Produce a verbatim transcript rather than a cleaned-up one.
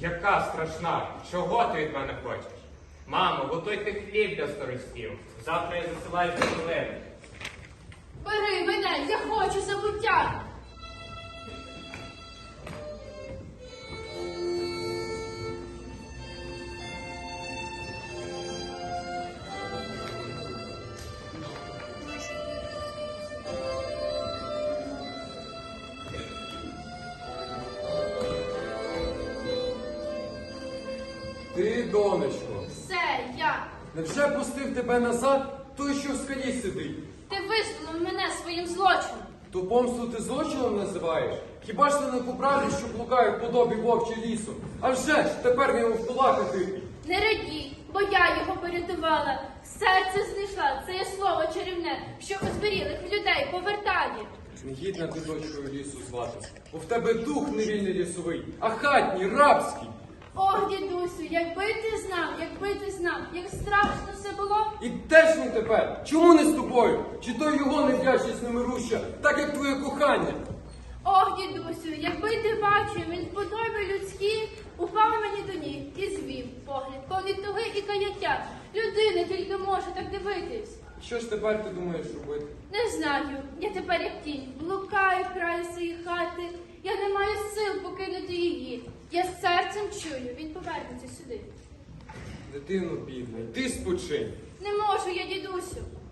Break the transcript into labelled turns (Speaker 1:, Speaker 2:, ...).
Speaker 1: Яка страшна? Чого ти від мене хочеш? Мамо, готуйте хліб для старостів. Завтра я засилаю пістолети.
Speaker 2: Бери мене, я хочу забуття.
Speaker 3: Ти, донечко,
Speaker 2: Все, я.
Speaker 3: невже пустив тебе назад той, що в скалі сидить?
Speaker 2: Ти визволив мене своїм злочином.
Speaker 3: То помсту ти злочином називаєш? Хіба ж ти не по правді, що блукає в подобі вовчі лісу? А вже ж, тепер він в кулака тихий.
Speaker 2: Не радій, бо я його порятувала. Серце знайшла, це є слово чарівне, що озберілих людей повертає.
Speaker 3: Негідна ти дочкою лісу звати, бо в тебе дух не вільний лісовий, а хатній, рабський.
Speaker 2: Ох, дідусю, якби ти знав, якби ти знав, як страшно все було.
Speaker 3: І де ж він тепер? Чому не з тобою? Чи то його невдячність немируща, так як твоє кохання?
Speaker 2: Ох, дідусю, якби ти бачив, він в подобі людській упав мені до ніг і звів погляд, повний туги і каяття. Людина тільки може так дивитись.
Speaker 3: Що ж тепер ти думаєш робити?
Speaker 2: Не знаю, я тепер як тінь, блукаю в краю своєї хати, я не маю сил покинути її. Я з серцем чую, він повернеться сюди.
Speaker 3: Дитино бідна, йди спочинь.
Speaker 2: Не можу я, дідусю.